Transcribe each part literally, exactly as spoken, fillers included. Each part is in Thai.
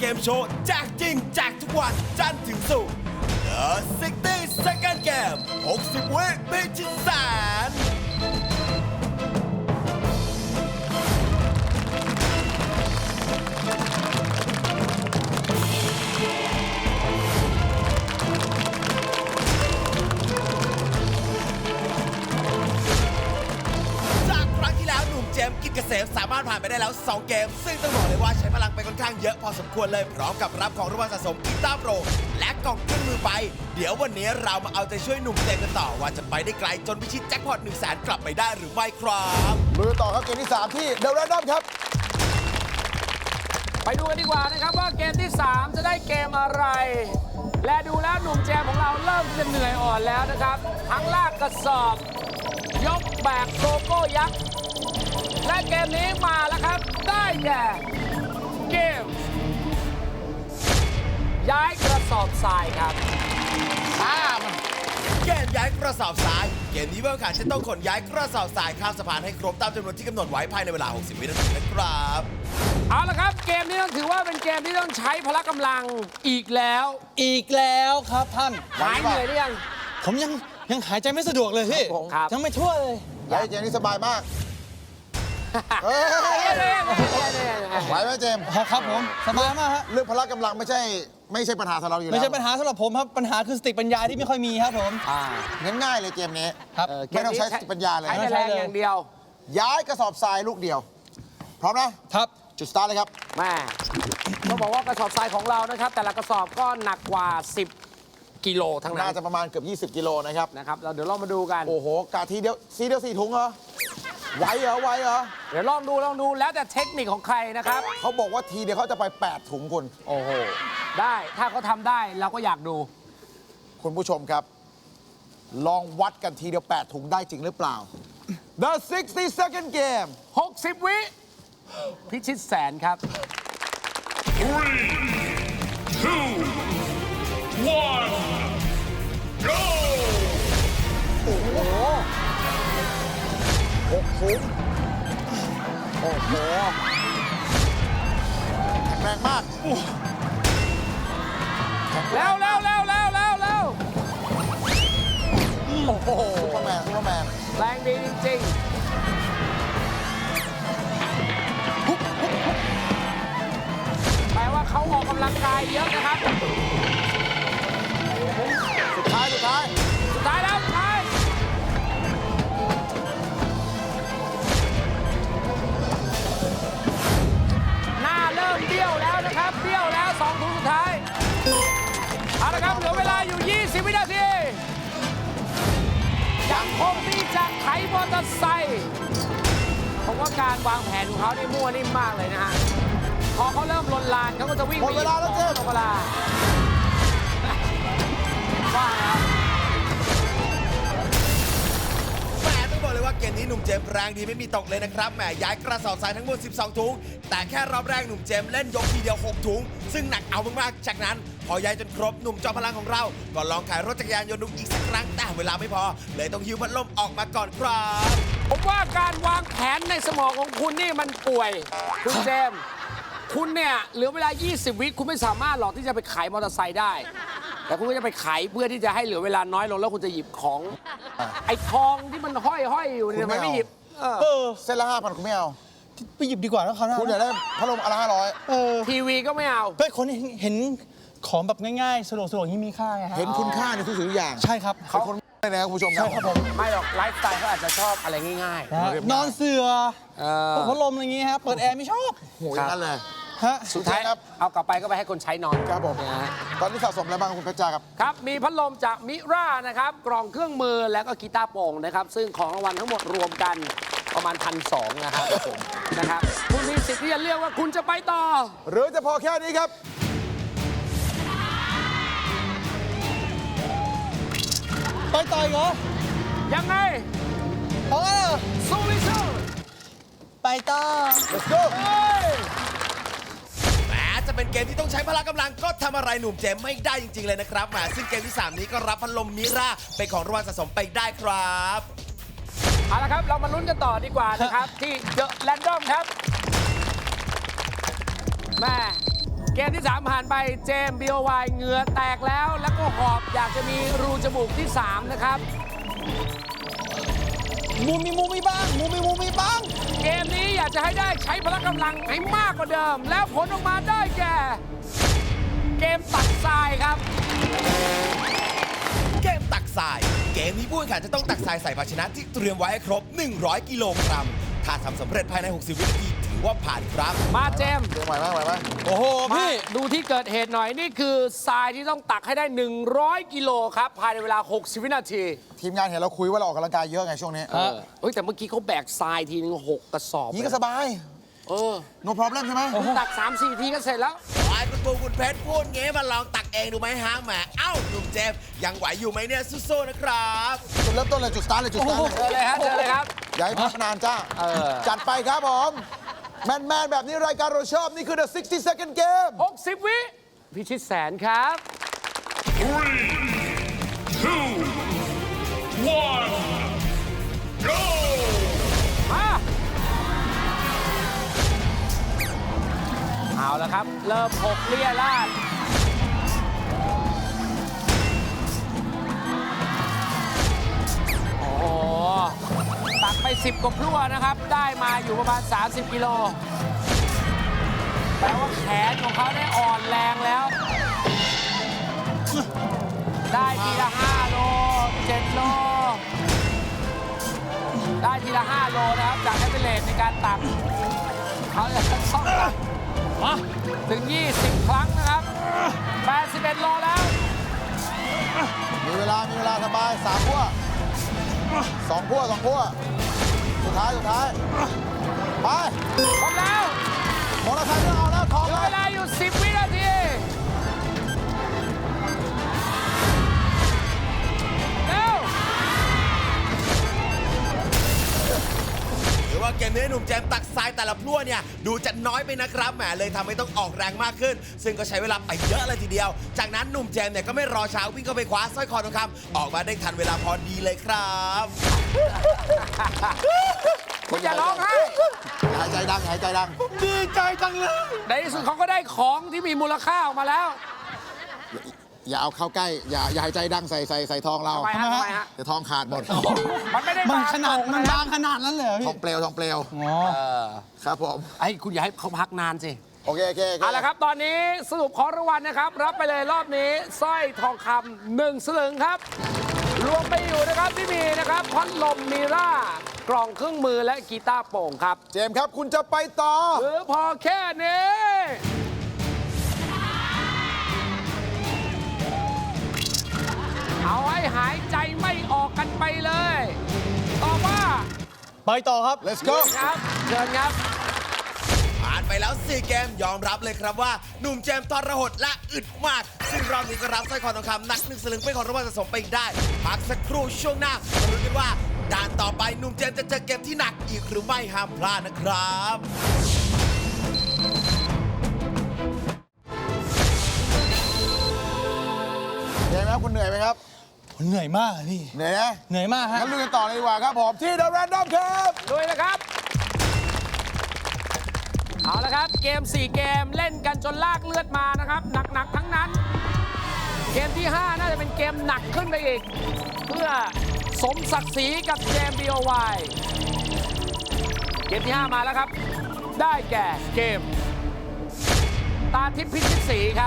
เกมโชว์แจกจริงแจกทุกวันจันทร์ถึงศุกร์ The ซิกตี้ Second Game หกสิบ วิพิชิตแสนเจมส์กิจเกษมสามารถผ่านไปได้แล้วสองเกมซึ่งต้องบอกเลยว่าใช้พลังไปค่อนข้างเยอะพอสมควรเลยพร้อมกับรับของรางวัลสะสมกีตาร์โปรและกล่องเครื่องมือไปเดี๋ยววันนี้เรามาเอาใจช่วยหนุ่มเจมส์กันต่อว่าจะไปได้ไกลจนพิชิตแจ็คพอตหนึ่งแสนกลับไปได้หรือไม่ครับมือต่อครับเกมที่สามที่เดอะแรนดอมครับไปดูกันดีกว่านะครับว่าเกมที่สามจะได้เกมอะไร และดูแล้วหนุ่มแจมของเราเริ่มจะเหนื่อยอ่อนแล้วนะครับทั้งลากกระสอบยกแบกโลโก้ยักษ์และเกมนี้มาแล้วครับได้แก่เกมย้ายกระสอบทรายครับข้ามเกมย้ายกระสอบทรายเกมนี้ผู้แข่งขันจะต้องขนย้ายกระสอบทรายข้ามสะพานให้ครบตามจำนวนที่กำหนดไว้ภายในเวลาหกสิบวินาทีนะครับเอาละครับเกมนี้ต้องถือว่าเป็นเกมที่ต้องใช้พละกำลังอีกแล้วอีกแล้วครับท่านหายเหนื่อยหรือยังผมยังยังหายใจไม่สะดวกเลยพี่ยังไม่ทั่วเลยย้ายเกมนี้สบายมากไหวไหมเจมส์ครับผมสบายมากฮะเรื่องพละกำลังไม่ใช่ไม่ใช่ปัญหาสำหรับเราอยู่แล้วไม่ใช่ปัญหาสำหรับผมครับปัญหาคือสติปัญญาที่ไม่ค่อยมีครับผมงั้นง่ายเลยเกมนี้ครับไม่ต้องใช้สติปัญญาเลยใช้แรงอย่างเดียวย้ายกระสอบทรายลูกเดียวพร้อมนะครับจุดสตาร์ทเลยครับแม่ต้องบอกว่ากระสอบทรายของเรานะครับแต่ละกระสอบก็หนักกว่าสิบกิโลทั้งนั้นน่าจะประมาณเกือบยี่สิบกิโลนะครับนะครับเราเดี๋ยวลองมาดูกันโอ้โหกาทีเดียวซีเดียวสี่ถุงเหรอไหวเหรอไหวเหรอเดี๋ยวลองดูลองดูแล้วแต่เทคนิคของใครนะครับเขาบอกว่าทีเดียวเขาจะไปแปดถุงคุณโอ้โหได้ถ้าเขาทำได้เราก็อยากดูคุณผู้ชมครับลองวัดกันทีเดียวแปดถุงได้จริงหรือเปล่า The ซิกตี้ Second Game หกสิบ วิพิชิตแสนครับ three two one go โอ้โหหกถุงโอ้โหแข็งแรงมากแล้วแล้วแล้วแล้วแล้วแล้วโอ้โหซุปเปอร์แมนซุปเปอร์แมนแรงดีจริงๆแปลว่าเขาออกกำลังกายเยอะนะครับสุดท้ายสุดท้ายสุดท้ายแล้วสุดท้ายหน้าเริ่มเบี้ยวแล้วนะครับเบี้ยวแล้วสองถุงสุดท้ายเอาละครับเหลือเวลาอยู่ยี่สิบวินาทียังคงที่จะไถมอเตอร์ไซค์ผมว่าการวางแผนของเขานี่มั่วนิ่มมากเลยนะฮะพอเขาเริ่มลนลานเขาก็จะวิ่งหมดเวลาแล้วเจ๊หมดเวลาว่าแล้วแหมต้องบอกเลยว่าเกมนี้หนุ่มเจมส์แรงดีไม่มีตกเลยนะครับแหมย้ายกระสอบทรายทั้งหมดสิบสองถุงแต่แค่รอบแรกหนุ่มเจมส์เล่นยกทีเดียวหกถุงซึ่งหนักเอามากๆจากนั้นพอย้ายจนครบหนุ่มจอมพลังของเราก็ลองขายรถจักรยานยนต์ดูอีกสักครั้งแต่เวลาไม่พอเลยต้องหิ้วพัดลมออกมาก่อนครับผมว่าการวางแผนในสมองของคุณนี่มันป่วยคุณเจมส์คุณเนี่ยเหลือเวลายี่สิบวิคุณไม่สามารถหรอกที่จะไปขายมอเตอร์ไซค์ได้แต่คุณก็จะไปขายเพื่อที่จะให้เหลือเวลาน้อยลงแล้วคุณจะหยิบของไอ้ทองที่มันห้อยห้อยอยู่เนี่ยมันไม่หยิบเออเส้นละห้าพันคุณไม่เอาไปหยิบดีกว่าแล้วเขาคุณอยากได้พัดลมอะไรห้าร้อยทีวีก็ไม่เอาเพื่อคนเห็นของแบบง่ายๆสะดวกสะดวกที่มีค่าไงเห็นคุณค่าในทุกสิ่งทุกอย่างใช่ครับเขาคนไม่เลยนะคุณผู้ชมใช่ครับผมไม่หรอกไลฟ์สไตล์เขาอาจจะชอบอะไรง่ายๆนอนเสื่อพัดลมอะไรอย่างงี้ครับเปิดแอร์ไม่ชอบโหอย่างนั้นเลยสุดท้ายครับเอากลับไปก็ไปให้คนใช้นอนครับผมตอนนี้สะสมอะไรบ้างคุณเพชรจ้าครับครับมีพัดลมจากมิรานะครับกล่องเครื่องมือแล้วก็กีตาร์โปร่งนะครับซึ่งของรางวัลทั้งหมดรวมกันประมาณพันสองนะครับผมนะครับคุณมีสิทธิ์ที่จะเลือกว่าคุณจะไปต่อหรือจะพอแค่นี้ครับไปต่อเหรอยังไงเอาไงสู้ไม่สู้ไปต่อ let's go แม้จะเป็นเกมที่ต้องใช้พละกำลังก็ทำอะไรหนุ่มเจมไม่ได้จริงๆเลยนะครับแหมซึ่งเกมที่สามนี้ก็รับพัดลมมิราเป็นของรางวัลสะสมไปได้ครับเอาละครับเรามาลุ้นกันต่อดีกว่านะครับที่เดอะแรนดอมครับแม่เกมที่ สาม ผ่านไปเจมส์ บี โอ วาย เหงื่อแตกแล้ว แล้วก็หอบอยากจะมีรูจมูกที่ สาม นะครับมูมีมูมีบ้างมูมีมูมีบ้างเกมนี้อยากจะให้ได้ใช้พละกำลังให้มากกว่าเดิม แล้วผลออกมาได้แก่ เกมตักทรายครับเกมตักทราย เกมนี้ผู้แข่งขันจะต้องตักทรายใส่ภาชนะที่เตรียมไว้ให้ครบ หนึ่งร้อย กิโลกรัม ถ้าทำสำเร็จภายใน หกสิบ วินาทีถือว่าผ่านครับมาเจมส์เดี๋ยวไหวไหมไหวไหมโอ้โหมาพี่ดูที่เกิดเหตุหน่อยนี่คือทรายที่ต้องตักให้ได้ หนึ่งร้อย กิโลครับ ภายในเวลา หกสิบ วินาทีทีมงานเห็นเราคุยว่าเราออกกำลังกายเยอะไงช่วงนี้เออเฮ้ยแต่เมื่อกี้เขาแบกทรายทีนึงหกกระสอบนี่ก็สบายเออ no problem ใช่ไหมตัก สามสี่ ทีก็เสร็จแล้วไอ้คุณปูคุณเพชรพูดงี้มาลองตักเองดูไหมฮะแหมเอ้าหนุ่มเจมส์ยังไหวอยู่ไหมเนี่ยสู้ๆนะครับจุดเริ่มต้นเลยจุดสตาร์ทเลยจุดสตาร์ทเจอเลยเลยครับเจอเลยครับอย่าให้พักนานจ้าเออจัดไปครับผมแมนๆแบบนี้รายการเราชอบนี่คือ the sixty second game หกสิบ วิพิชิตแสนครับ Three, two, one, go! มาเอาละครับ เริ่มหกเลี่ยลาดโอ้โห ตักไป สิบ กว่าพลั่วนะครับ ได้มาอยู่ประมาณ สามสิบ กิโลแปลว่าแขนของเขาได้อ่อนแรงแล้ว ได้ทีละ ห้า โล เจ็ด โล ได้ทีละ ห้า โลนะครับ จากแอปเปิลเลนในการตักเขาจะต้องตักถึง ยี่สิบ ครั้งนะครับ แปดสิบเอ็ด โลแล้วมีเวลา มีเวลาสบายสามพั่วสองพั่วสองพั่วสุดท้าย สุดท้าย ไปครบแล้วมอเตอร์ไซค์ไม่ต้องเอาแล้วทองเหลืเลอย เวลาอยู่ สิบ วินาทีเร็วหรือว่าเกมนี้หนุ่มเจมส์ตักทรายแต่ละพลั่วเนี่ยดูจะน้อยไปนะครับแหมเลยทำให้ต้องออกแรงมากขึ้น ซึ่งก็ใช้เวลาไปเยอะเลยทีเดียว จากนั้นหนุ่มเจมส์เนี่ยก็ไม่รอช้าวิ่งเข้าไปคว้าสร้อยคอทองคำออกมาได้ทันเวลาพอดีเลยครับคุณอย่าร้องไห้หายใจดังหายใจดังดีใจจังเลยในที่สุดเขาก็ได้ของที่มีมูลค่าออกมาแล้วอย่าเอาเข้าใกล้ อย่าอย่าหายใจดังใส่ใส่ใส่ทองเราทำไมฮะทำไมฮะเดี๋ยวทองขาดหมดมันไม่ได้มันบางขนาดตรงมันนะบางขนาดนั้นเลยเหรอทพี่องเปลวทองเปลวอ๋อเออครับผมไอ้คุณอย่าให้เขาพักนานสิโอเค โอเคโอเคเอาละครับ ตอนนี้สรุปของรางวัลนะครับ รับไปเลยรอบนี้สร้อยทองคำหนึ่งสลึงครับ รวมไปอยู่นะครับที่มีนะครับพัดลมมีร่ากล่องเครื่องมือและกีตาร์โปร่งครับเจมส์ครับ คุณจะไปต่อหรือพอแค่นี้ เอาให้หายใจไม่ออกกันไปเลยตอบว่าไปต่อครับ let's go ครับเชิญครับผ่านไปแล้ว สี่ เกมยอมรับเลยครับว่าหนุ่มเจมส์ทรหดและอึดมาก ซึ่งรอบนี้ก็รับสร้อยคอทองคำหนักหนึ่งสลึงเป็นของรางวัลสะสมไปอีกได้พักสักครู่ช่วงหน้ามาลุ้นกันว่าด่านต่อไปหนุ่มเจมส์จะเจอเกมที่หนักอีกหรือไม่ห้ามพลาดนะครับเจมส์ครับคุณเหนื่อยไหมครับผมเหนื่อยมากอะพี่เหนื่อยนะเหนื่อยมากฮะงั้นลุยกันต่อเลยดีกว่าครับผมที่ The Random ครับด้วยนะครับ เอาละครับ เกม สี่ เกมเล่นกันจนลากเลือดมานะครับ หนัก ๆ ทั้งนั้น เกมที่ ห้า น่าจะเป็นเกมหนักขึ้นไปอีก เพื่อสมศักดิ์ศรีกับเจม บี โอ วาย เกมที่ ห้า มาแล้วครับ ได้แก่เกม ตาทิพย์พิชิตศรีครับ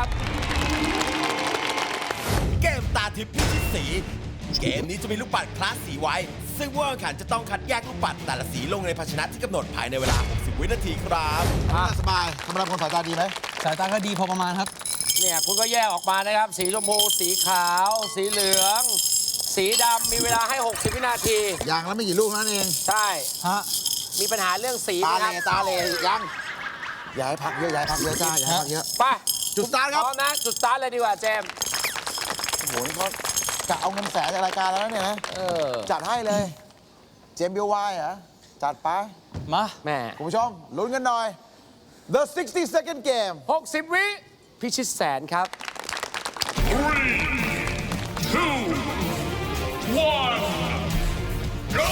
เกมตาทิพย์พิชิตสี เกมนี้จะมีลูกปัดคลาสสีไว้ ซึ่งผู้แข่งขันจะต้องคัดแยกลูกปัดแต่ละสีลงในภาชนะที่กำหนดภายในเวลา หกสิบ วินาทีครับอ่ะสบายธรรมดาคนสายตาดีไหมสายตาก็ดีพอประมาณครับเนี่ยคุณก็แยกออกมานะครับ สีชมพู สีขาว สีเหลือง สีดำมีเวลาให้ หกสิบ วินาทีอย่างละไม่กี่ลูกเท่านั้นเองใช่ฮะมีปัญหาเรื่องสีตาไหมเลครับตาเลยังอย่าให้พักเยอะอย่าให้พักเยอะจ้าอย่าให้พักเยอะไปจุดสตาร์ทครับพร้อมนะจุดสตาร์ทเลยดีกว่าเจมส์โอ้โหนี่เขากะเอาเงินแสนจากรายการแล้วนะเนี่ยนะเออจัดให้เลย เจมส์บิวไวเหรอ จัดไปมาแม่คุณผู้ชมลุ้นกันหน่อย The sixty second game หกสิบ วิพิชิตแสนครับ Three, two, one, go!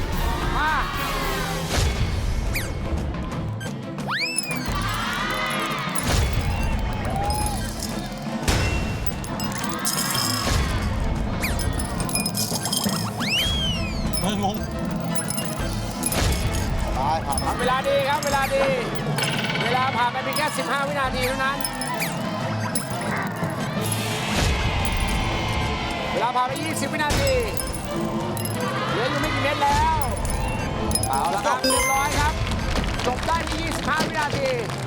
มาเมืองงตายผ่านมาทำเวลาดีครับ เวลาดี เวลาผ่านไปเพียงแค่ สิบห้า วินาทีเท่านั้น เวลาผ่านไป ยี่สิบ วินาที เหลืออยู่ไม่กี่เมตรแล้ว เอาละครับเรียบร้อยครับ จบได้ใน ยี่สิบห้า วินาที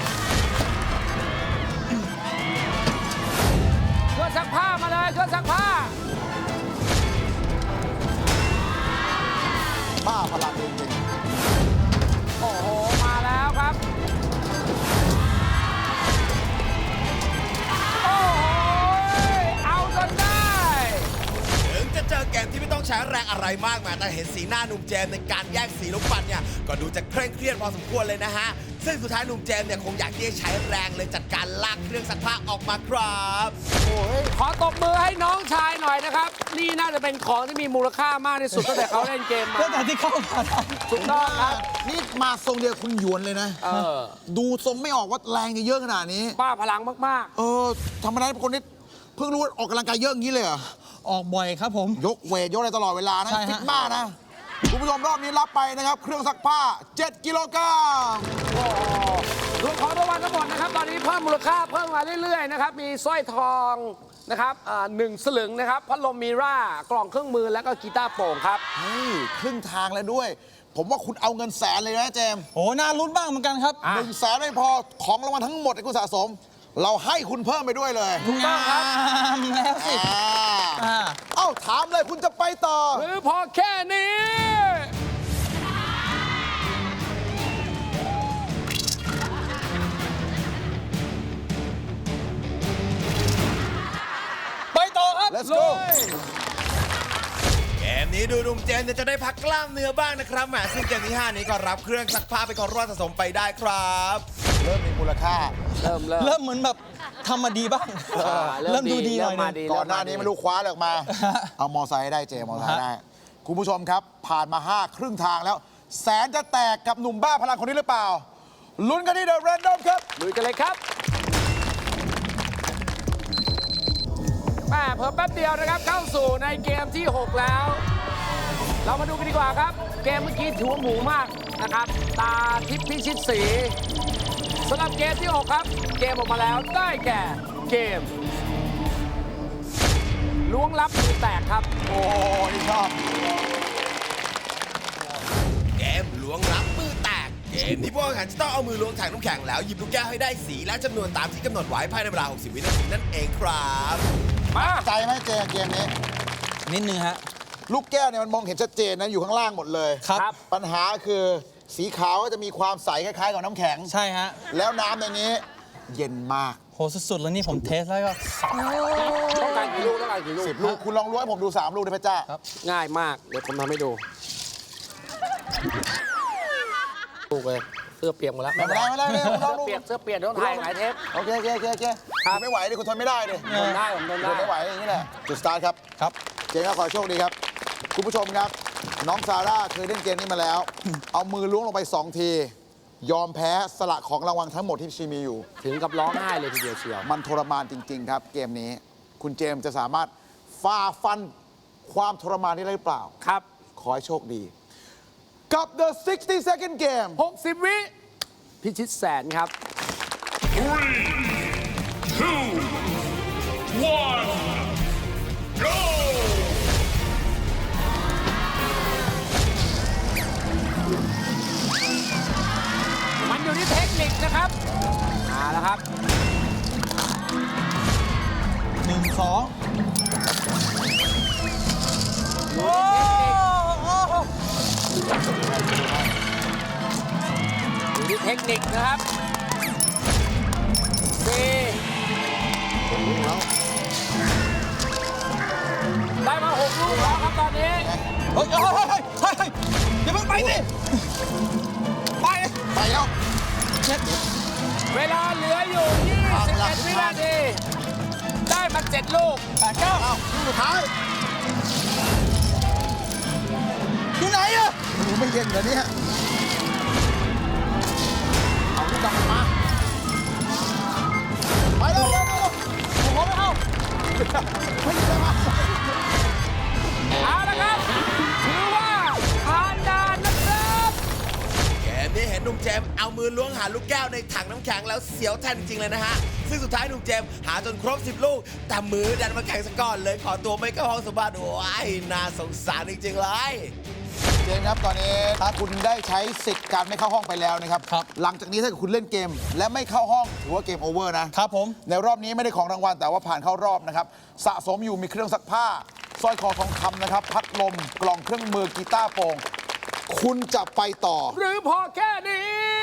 เครื่องซักผ้ามาเลยเครื่องซักผ้าบ้าพลังจริงโอ้โห มาแล้วครับ โอ้โห เอาจนได้ถึงจะเจอเกมที่ไม่ต้องใช้แรงอะไรมากมายแต่เห็นสีหน้าหนุ่มเจมส์ในการแยกสีลูกปัดเนี่ยก็ดูจะเคร่งเครียดพอสมควรเลยนะฮะ ซึ่งสุดท้ายหนุ่มเจมส์เนี่ยคงอยากที่จะใช้แรงเลยจัดการลากเครื่องซักผ้าออกมาครับๆ โอ้ยขอตบมือให้น้องชายหน่อยนะครับ นี่น่าจะเป็นของที่มีมูลค่ามากที่สุดตั้งแต่เขาเล่นเกมมาตั้งแต่ที่เข้ามาได้ถูกต้องครับนี่มาทรงเดียวคุณหยวนเลยนะเออดูทรงไม่ออกว่าแรงจะเยอะขนาดนี้บ้าพลังมากเออธรรมดาเป็นคนที่เพิ่งรู้ว่าออกกำลังกายเยอะอย่างนี้เลยเหรอออกบ่อยครับผมยกเวทยกอะไรตลอดเวลานะใช่ฮะฟิตมากนะ คุณผู้ชมรอบนี้รับไปนะครับ เครื่องซักผ้า เจ็ด กิโลกรัมๆ โอ้โหรวมของรางวัลทั้งหมดนะครับ ตอนนี้เพิ่มมูลค่าเพิ่มมาเรื่อยๆนะครับ มีสร้อยทองนะครับอ่าหนึ่งสลึงนะครับ พัดลมมีร่า กล่องเครื่องมือ แล้วก็กีตาร์โปร่งครับนี่ครึ่งทางแล้วด้วย ผมว่าคุณเอาเงินแสนเลยนะเจมส์โอ้น่าลุ้นบ้างเหมือนกันครับอ่ะหนึ่งแสนไม่พอของรางวัลทั้งหมดที่คุณสะสม เราให้คุณเพิ่มไปด้วยเลยถูกต้องครับงามแล้วสิอ่าอ่าเอ้าถามเลยคุณจะไปต่อหรือพอแค่นี้ไปต่อครับ Let's go เกมนี้ดูหนุ่มเจมส์เนี่ยจะได้พักกล้ามเนื้อบ้างนะครับแหมซึ่งเกมที่ห้านี้ก็รับเครื่องซักผ้าไปนของรางวัลสะสมไปได้ครับเริ่มมีมูลค่าเริ่มเริ่มเริ่มเหมือนแบบทำมาดีบ้างอ่าเริ่มดูดีหน่อยเริ่มมานึดีงก่อนหน้านี้ไม่รู้คว้าอะไรออกมา เอามอไซค์ให้ได้เจมอไซค์ได้ คุณผู้ชมครับ ผ่านมา ห้า ครึ่งทางแล้ว แสนจะแตกกับหนุ่มบ้าพลังคนนี้หรือเปล่า ลุ้นกันที่เดอะแรนดอมครับลุยกันเลยครับแม่เพิ่มแป๊บเดียวนะครับ เข้าสู่ในเกมที่ หก แล้ว เรามาดูกันดีกว่าครับ เกมเมื่อกี้ถือว่าหมูมากนะครับ ตาทิพย์พิชิตสีสำหรับเกมที่ หก ครับ เกมออกมาแล้วได้แก่เกมล้วงลับมือแตกครับโอ้นี่ชอบเกมล้วงลับมือแตก เกมนี้พวกแข่งขันจะต้องเอามือล้วงถังน้ำแข็งแล้วหยิบลูกแก้วให้ได้สีและจำนวนตามที่กำหนดไว้ภายในเวลา หกสิบ วินาทีนั่นเองครับมาใจไหมเจมเกมนี้นิดนึงฮะลูกแก้วเนี่ยมันมองเห็นชัดเจนนะอยู่ข้างล่างหมดเลยครับครับปัญหาคือสีขาวก็จะมีความใสคล้ายๆกับน้ำแข็งใช่ฮะแล้วน้ำในนี้เย็นมากโหสุดๆแล้วนี่ผมเทสแล้วก็ต้องการกี่ลูกต้องการกี่ลูกสิบลูก คุณลองล้วงให้ผมดูสามลูกได้ไหมจ้าครับง่ายมาก เดี๋ยวผมทำให้ดูลูกเลยเสื้อเปียกหมดแล้วไม่เป็นไรไม่เป็นไรเนี่ยคุณลเสื้องอดูเปียกเสื้อเปียกเดี๋ยวถ่ายหลายเทปโอเคโอเคโอเคโอเคครับคุณไม่ไหวดิคุณทนไม่ได้ดิทนได้ผมทนทนได้ไม่ไหวอย่างนี้แหละจุดสตาร์ทครับครับเจมส์ครับขอให้โชคดีครับ คุณผู้ชมครับ น้องซาร่าเคยเล่นเกมนี้มาแล้ว เอามือล้วงลงไปสองที ยอมแพ้สละของรางวัลทั้งหมดที่ชีมีอยู่ถึงกับร้องไห้เลยทีเดียวเชียวมันทรมานจริง ๆ ครับ เกมนี้ คุณเจมส์จะสามารถฝ่าฟันความทรมานนี้ได้หรือเปล่าครับขอให้โชคดี กับ the sixty second game หกสิบ วิ พิชิตแสนครับ Three, two, one, go! มันอยู่ที่เทคนิคนะครับมาแล้วครับหนึ่งสองโอ้อยู่ที่เทคนิคนะครับสี่ได้มาหกลูกแล้วครับตอนนี้เฮ้ยเฮ้ยเฮ้ยเฮ้ยเฮ้ยอย่าเพิ่งไปสิไปไปแล้วเวลาเหลืออยู่ยี่สิบเอ็ดวินาที ได้มาเจ็ดลูกแปดเก้าเอาลูกสุดท้ายอยู่ไหนอะหนูไม่เย็นเหรอเนี่ยเอาลูกดำมา ไปเร็วเร็วเร็วผมขอไม่เอาไม่ยินเลยมาเอาละครับ ถือว่าเอามือล้วงหาลูกแก้วในถังน้ำแข็งแล้วเสียวแทนจริงๆเลยนะฮะ ซึ่งสุดท้ายหนุ่มเจมส์หาจนครบสิบลูก แต่มือดันมาแข็งซะก่อนเลยขอตัวไม่เข้าห้องสมบัติโอ้ยน่าสงสารจริงๆเลยเจนครับตอนนี้ถ้าคุณได้ใช้สิทธิ์การไม่เข้าห้องไปแล้วนะครับครับหลังจากนี้ถ้าเกิดคุณเล่นเกม และไม่เข้าห้องถือว่าเกมโอเวอร์นะครับผมในรอบนี้ไม่ได้ของรางวัลแต่ว่าผ่านเข้ารอบนะครับสะสมอยู่มีเครื่องซักผ้าสร้อยคอทองคำนะครับพัดลมกล่องเครื่องมือกีตาร์โปร่งคุณจะไปต่อหรือพอแค่นี้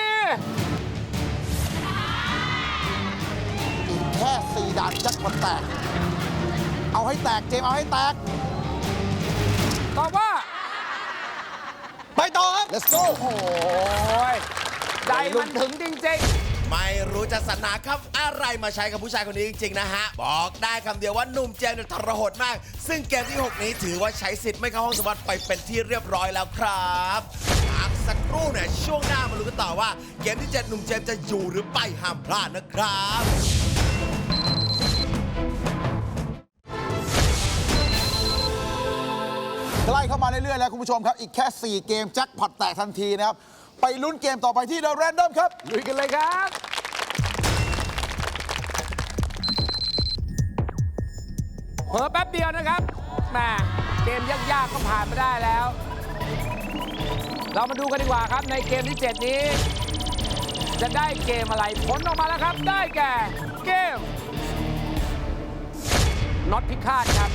อีกแค่สี่ด่านแจ็คพอตแตก เอาให้แตกเจมส์เอาให้แตกตอบว่าไปต่อครับ let's go โอ้ยใจมันถึงจริงไม่รู้จะสรรหาคำอะไรมาใช้กับผู้ชายคนนี้จริงๆนะฮะ บอกได้คำเดียวว่าหนุ่มเจมส์เนี่ยทรหดมาก ซึ่งเกมที่ หก นี้ถือว่าใช้สิทธิ์ไม่เข้าห้องสมบัติไปเป็นที่เรียบร้อยแล้วครับพักสักครู่เนี่ยช่วงหน้ามาลุ้นกันต่อว่า เกมที่เจ็ดหนุ่มเจมส์จะอยู่หรือไปห้ามพลาดนะครับใกล้เข้ามาเรื่อยๆแล้วคุณผู้ชมครับ อีกแค่ สี่ เกมแจ็คพอตแตกทันทีนะครับ ไปลุ้นเกมต่อไปที่ The Random ครับๆลุยกันเลยครับเผลอแป๊บเดียวนะครับแหมเกมยากๆก็ผ่านมาได้แล้ว เรามาดูกันดีกว่าครับในเกมที่ เจ็ด นี้ จะได้เกมอะไรผลออกมาแล้วครับ ได้แก่เกมน็อตพิฆาตครับ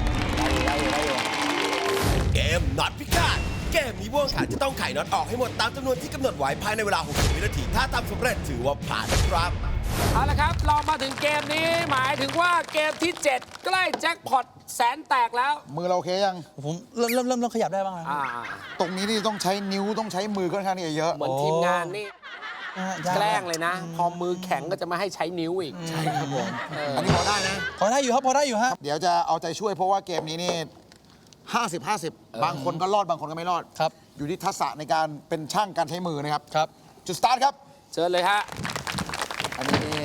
เกมน็อตพิฆาตเกมนี้ผู้แข่งขันจะต้องไขน็อตออกให้หมดตามจำนวนที่กำหนดไว้ภายในเวลา หกสิบ วินาที ถ้าทำสำเร็จถือว่าผ่านนะครับเอาละครับ เรามาถึงเกมนี้หมายถึงว่าเกมที่ เจ็ด ใกล้แจ็คพอตแสนแตกแล้วมือเราโอเคยังผมเริ่มเริ่มเริ่มเริ่มขยับได้บ้างแล้วอ่าตรงนี้นี่ต้องใช้นิ้วต้องใช้มือค่อนข้างที่จะเยอะเหมือนทีมงานนี่นะฮะยาแกล้งเลยนะ พอมือแข็งก็จะไม่ให้ใช้นิ้วอีกใช่ครับผมอันนี้พอได้นะพอได้อยู่ครับพอได้อยู่ฮะเดี๋ยวจะเอาใจช่วยเพราะว่าเกมนี้นี่ ห้าสิบ ห้าสิบ บางคนก็รอดบางคนก็ไม่รอดครับอยู่ที่ทักษะในการเป็นช่างการใช้มือนะครับครับจุดสตาร์ทครับเชิญเลยฮะอันนี้นี่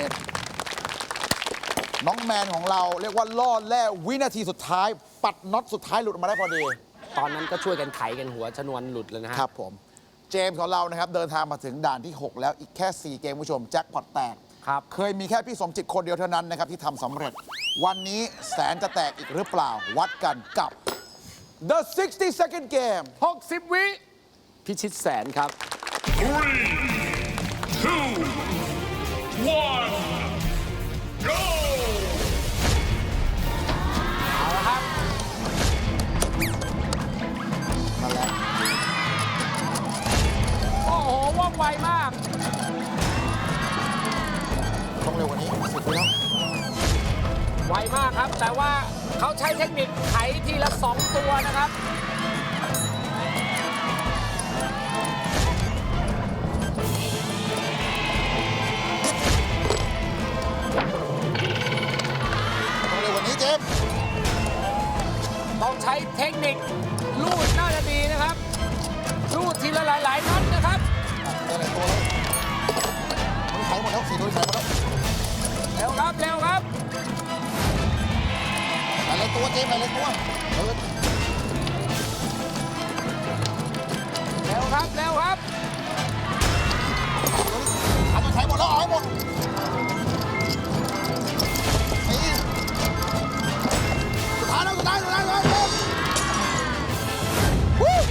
น้องแมนของเราเรียกว่าล่อแล่วินาทีสุดท้าย ปัดน็อตสุดท้ายหลุดออกมาได้พอดีตอนนั้นก็ช่วยกันไขกันหัวชนวนหลุดเลยนะฮะครับผม เจมส์ของเรานะครับ เดินทางมาถึงด่านที่ หก แล้วอีกแค่ สี่ เกมคุณผู้ชม แจ็คพอตแตกครับเคยมีแค่พี่สมจิตคนเดียวเท่านั้นนะครับ ที่ทำสำเร็จ วันนี้แสนจะแตกอีกหรือเปล่า วัดกันกับ The sixty second game หกสิบ วิ พิชิตแสนครับ Three, two, one, go! เอาละครับมาแล้วโอ้โห ว่องไวมากต้องเร็วกว่านี้สิบวิแล้วไวมากครับ แต่ว่าเขาใช้เทคนิคไขทีละสองตัวนะครับต้องเร็วกว่านี้เจมส์ต้องใช้เทคนิคลูดน่าจะดีนะครับ ลูดทีละหลายๆนัดนะครับได้หลายตัวแล้วมันไขหมดแล้วสี่ตัวไขหมดแล้วเร็วครับ เร็วครับหลายตัวเจมส์หลายตัวเออเร็วครับ เร็วครับทำมันไขหมดแล้วเอาให้หมดนี่สุดท้ายแล้วสุดท้ายสุดท้ายสุดท้ายเจมส์วู้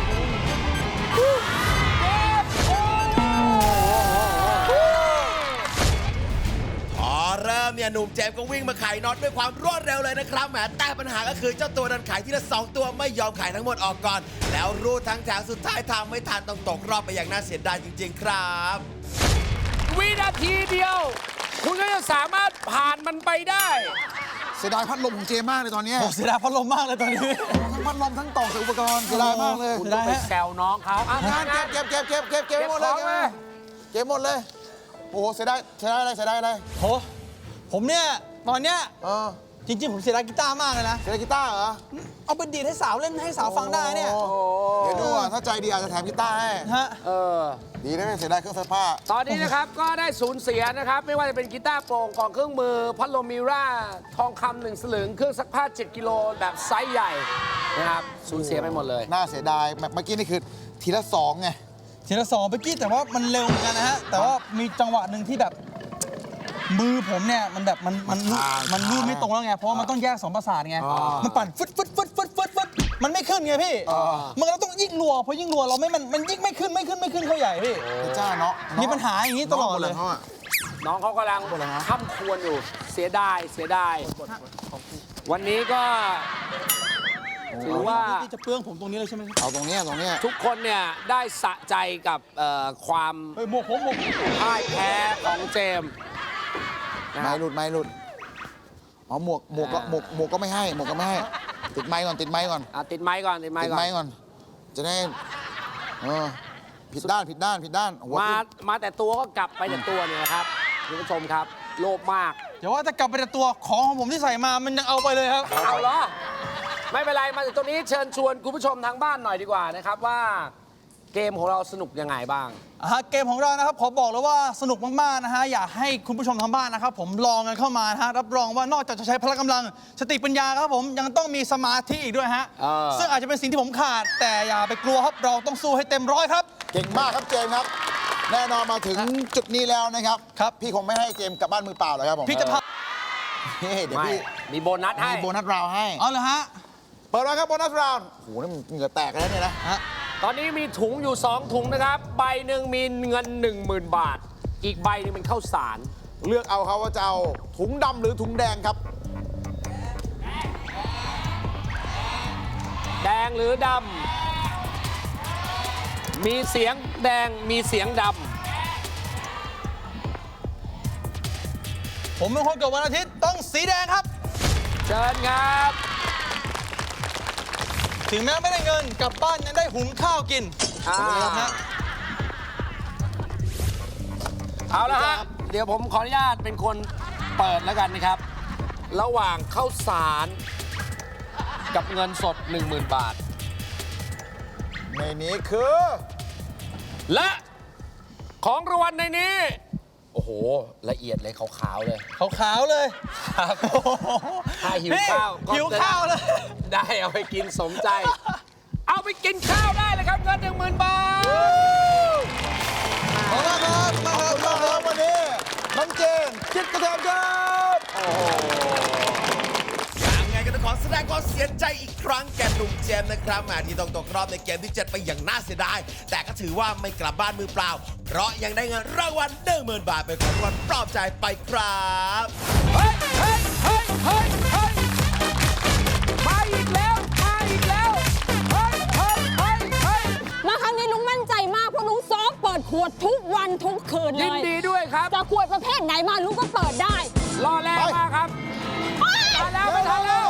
พอเริ่มเนี่ยหนุ่มเจมส์ก็วิ่งมาไขน็อตด้วยความรวดเร็วเลยนะครับแหมแต่ปัญหาก็คือเจ้าตัวดันไขทีละสองตัวไม่ยอมไขทั้งหมดออกก่อน แล้วรูดทั้งแถวสุดท้ายทำไม่ทันต้องตกรอบไปอย่างน่าเสียดายจริง ๆ ครับวินาทีเดียว คุณก็จะสามารถผ่านมันไปได้เสียดายพัดลมของเจมส์มากเลยตอนเนี้ยโอ้เสียดายพัดลมมากเลยตอนนี้ทั้งพัดลมทั้งต่อใส่อุปกรณ์เสียดายมากเลยคุณต้องไปแซวน้องเขาอ่ะงานเก็บเก็บเก็บเก็บเก็บเก็บหมดเลยเก็บของเลยเก็บหมดเลย โอ้โหเสียดายเสียดายอะไรเสียดายอะไรโห ผมเนี่ยตอนเนี้ยเออจริง ๆ ผมเสียดายกีตาร์มากเลยนะเสียดายกีตาร์เหรอเอาไปดีดให้สาวเล่นให้สาวฟังได้เนี่ยโอ้เดี๋ยวดูอ่ะถ้าใจดีอาจจะแถมกีตาร์ให้ฮะเออดีนะไม่เสียดายเครื่องซักผ้าตอนนี้นะครับ ก็ได้สูญเสียนะครับ ไม่ว่าจะเป็นกีตาร์โปร่งกล่องเครื่องมือ พัดลมมิร่า ทองคำหนึ่งสลึง เครื่องซักผ้า เจ็ด กิโลแบบไซส์ใหญ่นะครับ สูญเสียไปหมดเลยน่าเสียดายแบบเมื่อกี้นี่คือทีละสองไงทีละสองเมื่อกี้แต่ว่ามันเร็วเหมือนกันนะฮะ แต่ว่ามีจังหวะหนึ่งที่แบบมือผมเนี่ยมันแบบมันมันรูดมันรูดไม่ตรงแล้วไง เพราะว่ามันต้องแยกสองประสาทไง มันปั่นฟึดฟึดฟึดฟึดฟึดฟึดมันไม่ขึ้นไงพี่ มันก็ต้องยิ่งรัวพอยิ่งรัวเราไม่มันมันยิ่งไม่ขึ้นไม่ขึ้นไม่ขึ้นเข้าใหญ่พี่พระเจ้าเนาะมีปัญหาอย่างนี้ตลอดเลยน้องเขากำลังค้ำควรอยู่เสียดายเสียดายวันนี้ก็ถือว่าที่จะเปลื้องผมตรงนี้เลยใช่ไหมครับเอาตรงเนี้ยตรงเนี้ยทุกคนเนี่ยได้สะใจกับเอ่อความเฮ้ยหมวกผมหมวกพ่ายแพ้ของเจมส์นะคไม่รับหลุดไม่หลุดอ๋อหมวกหมวกก็หมวกหมวกก็ไม่ให้หมวกก็ไม่ให้ ติดไม้ก่อนติดไม้ก่อนอ่ะติดไม้ก่อนติดไม้ติดก่อนไม้ก่อน จะได้เออผิดด้านผิดด้านผิดด้านหัวมาขึ้นมาแต่ตัวก็กลับไปแต่ตัวเนี่ยนะครับคุณผู้ชมครับโลภมากเดี๋ยวว่าจะกลับไปแต่ตัวของของผมที่ใส่มามันยังเอาไปเลยครับเอาเหรอไม่เป็นไรมาถึงตรงนี้เชิญชวนคุณผู้ชมทางบ้านหน่อยดีกว่านะครับว่าเกมของเราสนุกยังไงบ้างอ่าเกมของเรานะครับขอบอกเลยว่าสนุกมากๆนะฮะอยากให้คุณผู้ชมทางบ้านนะครับผมลองกันเข้ามานะฮะรับรองว่านอกจากจะใช้พละกำลังสติปัญญาครับผมยังต้องมีสมาธิอีกด้วยฮะเออซึ่งอาจจะเป็นสิ่งที่ผมขาด แต่อย่าไปกลัวครับเราต้องสู้ให้เต็มร้อยครับเก่งมากครับเจมส์ครับ แน่นอนมาถึงจุดนี้แล้วนะครับครับพี่คงไม่ให้เจมส์กลับบ้านมือเปล่าหรอกครับผมพี่จะพาเฮ้ยเดี๋ยวไม่พี่มีโบนัสให้มีโบนัสราวให้เอาเลยฮะเปิดแล้วครับโบนัสราวน์โอ้โหนี่มันเหงื่อแตกแล้วเนี่ยนะฮะตอนนี้มีถุงอยู่ สอง ถุงนะครับ ใบหนึ่งมีเงิน หนึ่งหมื่น บาท อีกใบหนึงเป็นข้าวสารเลือกเอาครับว่าจะเอาถุงดำหรือถุงแดงครับแดงหรือดำมีเสียงแดงมีเสียงดผมเป็นคนเกิดวันอาทิตย์ต้องสีแดงครับำเชิญครับถึงแม้ไม่ได้เงินกลับบ้านยังได้หุงข้าวกินอ่าฮะเอาละฮะ เดี๋ยวผมขออนุญาตเป็นคนเปิดแล้วกันนะครับ ระหว่างข้าวสารกับเงินสด หนึ่งหมื่น บาทในนี้คือและของรางวัลในนี้ โอ้โห ละเอียดเลยขาวๆเลยขาวๆเลยครับ ถ้าหิวพี่ข้าวก็หิวข้าวเลยได้เอาไปกินสมใจ เอาไปกินข้าวได้เลยครับเงินหนึ่งหมื่นบาทขอบคุณครับมาครับขอบคุณครับวันนี้น้องเจนจิตกระเทียมครับยังไงก็ต้องขอแสดงความเสียใจอีกครั้งแก่หนุ่มเจมส์นะครับแหมที่ต้องตกรอบในเกมที่เจ็ดไปอย่างน่าเสียดาย แต่ก็ถือว่าไม่กลับบ้านมือเปล่า เพราะยังได้เงินรางวัลหนึ่งหมื่นบาทเป็นของรางวัลปลอบใจไปครับเฮ้ยเฮ้ยเฮ้ยเฮ้ยเฮ้ยมาอีกแล้ว มาอีกแล้ว เฮ้ยเฮ้ยเฮ้ยเฮ้ยมาครั้งนี้ลุงมั่นใจมากเพราะลุงซ้อมเปิดขวดทุกวันทุกคืนเลยยินดีด้วยครับจะขวดประเภทไหนมาลุงก็เปิดได้รอแรงมากครับ มาแล้วมาทันแล้ว